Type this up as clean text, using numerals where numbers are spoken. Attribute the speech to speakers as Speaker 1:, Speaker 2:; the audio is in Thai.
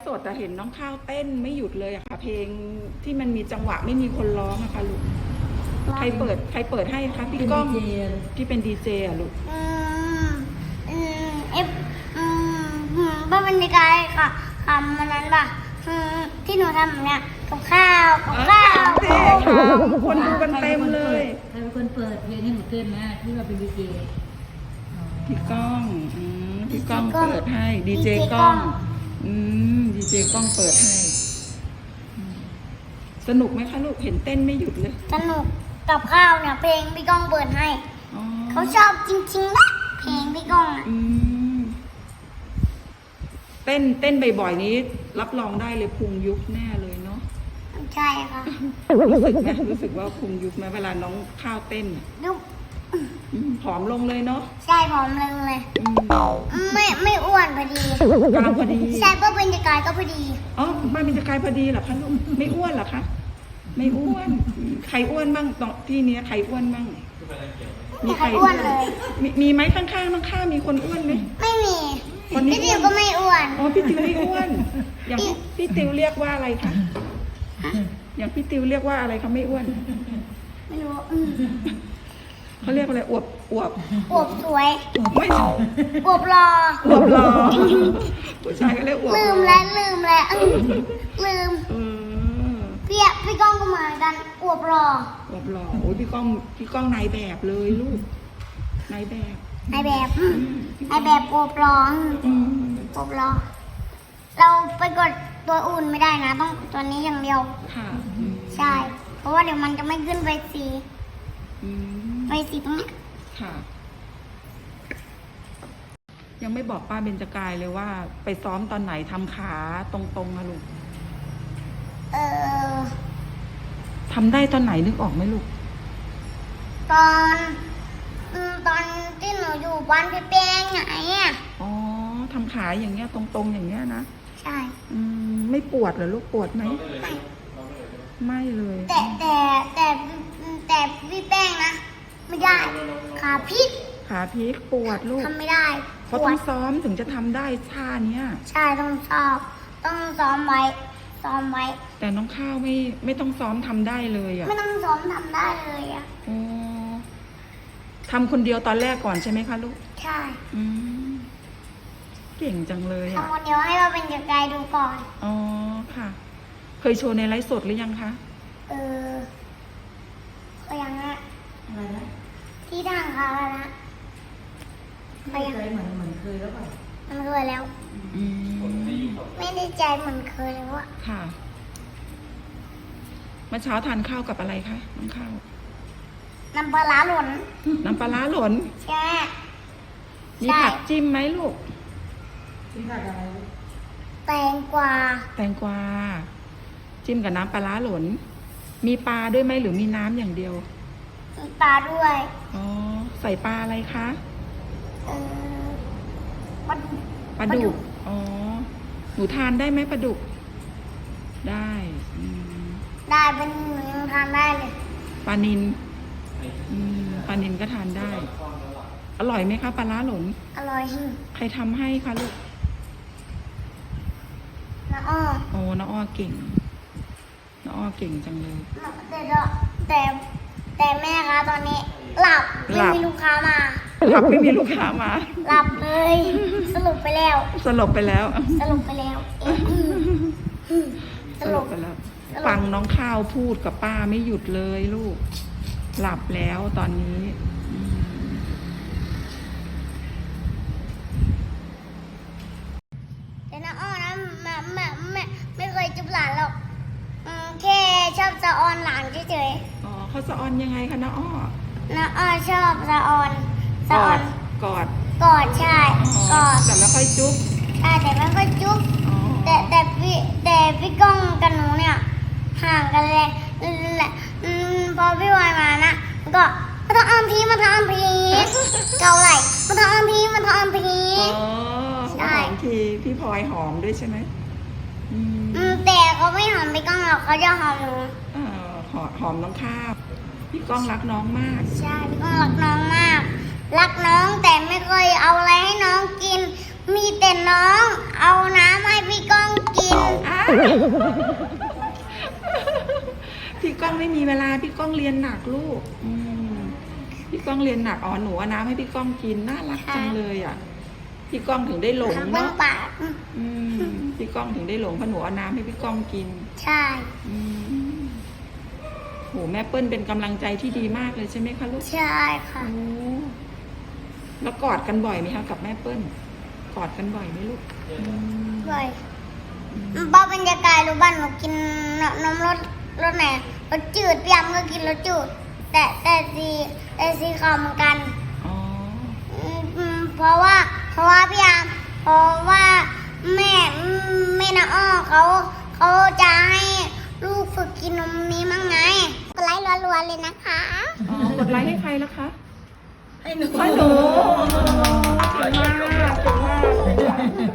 Speaker 1: สดแต่เห็นน้องข้าวเต้นไม่หยุดเลยอะค่ะเพลงที่มันมีจังหวะไม่มีคนร้องอะค่ะลูกใครเปิดให้คะพี่ก้องที่เป็นดีเจอะลูก
Speaker 2: บ้านบรรยากาศค่ะคำมันนั้นป่ะที่หนูทำเนี่ยกับข้าว
Speaker 1: คนดูกันเต็มเลย
Speaker 3: ใครเป็นคนเปิดเพลงให้หนูเต้นนะที่ว่าเป็นดีเจ
Speaker 1: พี่ก้องพี่ก้องเปิดให้ดีเจก้องดีเจก้องเปิดให้สนุกไหมคะลูกเห็นเต้นไม่หยุดเลย
Speaker 2: สนุกกับข้าวเนี่ยเพลงพี่ก้องเปิดให้เขาชอบจริงๆนะเพลงพี่ก้อง
Speaker 1: เต้นบ่อยๆนี้รับรองได้เลยพุงยุบแน่เลยเนาะ
Speaker 2: ใช่ค่ะ
Speaker 1: รู้สึกว่าพุงยุบไหมเวลาน้องข้าวเต้น
Speaker 2: ยุบ
Speaker 1: ผอมลงเลยเนาะ
Speaker 2: ใช่ผอมลงเลยไม่อ้วนพอดี
Speaker 1: กำลังพอดี
Speaker 2: ใช่ก็เป็นกายก็พอดี
Speaker 1: อ๋อบ้านเป็นกายพอดีเหรอคะลูกไม่อ้วนเหรอคะไม่อ้วนใครอ้วนบ้างตรงที่นี้ใครอ้วนบ้าง
Speaker 2: มีใครอ้วนเลย
Speaker 1: มีไหมข้างๆน้องข้ามีคนอ้วนไหม
Speaker 2: ไม่มีพี่ติวก็ไม่อ้วน
Speaker 1: อ๋อพี่ติวไม่อ้วนอย่างพี่ติวเรียกว่าอะไรคะอย่างพี่ติวเรียกว่าอะไรเขาไม่อ้วน
Speaker 2: ไม่รู้
Speaker 1: เขาเรียกอะไรอวบ
Speaker 2: สวย
Speaker 1: ไม่
Speaker 2: อวบรอ
Speaker 1: ผู้ชายก็เรียกอวบ
Speaker 2: ลืมแล้วพี่ก้องก็มากันอวบรอ
Speaker 1: โอ้ยพี่ก้องนายแบบเลยลูกนายแบบ
Speaker 2: อวบรอเราไปกดตัวอุ่นไม่ได้นะต้องตัวนี้อย่างเดียว
Speaker 1: ค่ะ
Speaker 2: ใช่เพราะว่าเดี๋ยวมันจะไม่ขึ้นไฟสีตรงนี้
Speaker 1: ค่ะยังไม่บอกป้าเบญจกายเลยว่าไปซ้อมตอนไหนทำขาตรงๆนะลูกทำได้ตอนไหนนึกออกไหมลูก
Speaker 2: ตอนที่หนูอยู่บ้านพี่แป้งไง
Speaker 1: อ๋อทำขาอย่างเงี้ยตรงๆอย่างเงี้ยนะ
Speaker 2: ใช่
Speaker 1: ไม่ปวดเหรอลูกปวดไหมไม่เลย
Speaker 2: แต่พี่แป้งนะไม่ได้ขาพลิก
Speaker 1: ปวดลูก
Speaker 2: ทำไม่ได้
Speaker 1: เขาต้องซ้อมถึงจะทำได้ท่าเนี้ย
Speaker 2: ใช่ต้องซ้อมไว้
Speaker 1: แต่น้องข้าวไม่ต้องซ้อมทำได้เลยอ่ะ
Speaker 2: ไม่ต้องซ้อมทำได้เลยอ่ะ
Speaker 1: ทำคนเดียวตอนแรกก่อนใช่ไหมคะลูก
Speaker 2: ใช่
Speaker 1: เก่งจังเลยอ่ะ
Speaker 2: ทำคนเดียวให้เราเป็นกายดูก่อน
Speaker 1: อ๋อค่ะเคยโชว์ในไลฟ์สดหรือยังคะ
Speaker 2: ก็ยัง
Speaker 3: อะไรนะ
Speaker 2: ที่ทางเขาแล้วนะ
Speaker 3: ไม่เคยเหมือนเคยแล้วป่ะ
Speaker 2: มันเคยแล้วไม่ได้ใจเหมือนเคยเลยว่า
Speaker 1: ค่ะเมื่อเช้าทานข้าวกับอะไรคะน้องข้าว
Speaker 2: น้ำปลาร้าหล่นใช่
Speaker 1: มีผักจิ้มไหมลูก
Speaker 3: มีผักอะไร
Speaker 2: แตงกวา
Speaker 1: จิ้มกับน้ำปลาร้าหล่นมีปลาด้วยไหมหรือมีน้ำอย่างเดียว
Speaker 2: มีปลาด้วย
Speaker 1: อ๋อใส่ปลาอะไรคะปลาดุกอ๋อหนูทานได้ไหมปลาดุกได้
Speaker 2: เป็นหนูยังทานได้เลย
Speaker 1: ปลานิลก็ทานได้อร่อยไหมคะปลาร้าหล่น
Speaker 2: อร่อย
Speaker 1: ใครทำให้คะลูก
Speaker 2: น้าอ้อ
Speaker 1: โอ้น้าอ้อเก่งจังเลย
Speaker 2: แต่แม่คะตอนนี้หลับไม่มีลูกค้ามา
Speaker 1: หลับ
Speaker 2: เลยสลบไปแล้ว
Speaker 1: ฟังน้องข้าวพูดกับป้าไม่หยุดเลยลูกหลับแล้วตอนนี้
Speaker 2: แต่น้าอ้อนะไม่เคยจุบหลานหรอกแค่ชอบสะออนหลานเฉย
Speaker 1: อ๋อเขาสะออนยังไงคะน้าอ้อ
Speaker 2: ชอบสะออน
Speaker 1: กอด
Speaker 2: ใช่กอด
Speaker 1: แต่ไม่ค่อยจุ๊บ
Speaker 2: ใช่แต่ไม่ค่อยจุ๊บแต่พี่ก้องกับหนูเนี่ยห่างกันเลยพอพี่วายมานะก็มาทำอัมพีเกาไหลมาทำอัมพี
Speaker 1: ใช่ทีพี่พลอยหอมด้วยใช่ไหม
Speaker 2: แต่เขาไม่หอมพี่ก้องหรอกเขาจะหอมหนู
Speaker 1: หอมน้องข้าวพี่ก้องรักน้องมาก
Speaker 2: ใช่พี่ก้องรักน้องมากรักน้องแต่ไม่เคยเอาอะไรให้น้องกินมีแต่น้องเอาน้ำให้พี่ก้องกิน
Speaker 1: พี่ก้องไม่มีเวลาพี่ก้องเรียนหนักลูกพี่ก้องเรียนหนักอ๋อหนูเอาน้ำให้พี่ก้องกินน่ารักจังเลยอ่ะพี่ก้องถึงได้หลง
Speaker 2: ทำเบื้อง
Speaker 1: เนาะ
Speaker 2: ปาก
Speaker 1: พี่ก้องถึงได้หลงเพราะหนูเอาน้ำให้พี่ก้องกิน
Speaker 2: ใช่
Speaker 1: โหแม่เปิ้ลเป็นกำลังใจที่ดีมากเลยใช่ไหมคะลูก
Speaker 2: ใช่ค่ะ
Speaker 1: โอ้แล้วกอดกันบ่อยไหมคะกับแม่เปิ้ลกอดกันบ่อยไหมลูก
Speaker 2: บ่อยบ้าบรรยากาศรู้บ้านหนูกินนมรสไหนรสจืดพี่ยามก็กินรสจืดแต่สีขาวเหมือนกัน
Speaker 1: อ๋อ
Speaker 2: เพราะว่าพี่ยามเพราะว่าแม่น้าอ้อเขาจะให้ลูกฝึกกินนมนี้มั้งไงกดไลค์รัวๆเลยนะคะ
Speaker 1: อ๋อกดไลค์ให้ใครล่ะคะ
Speaker 3: ให้หนู
Speaker 1: ให้หนูเก่งมากเก่งมาก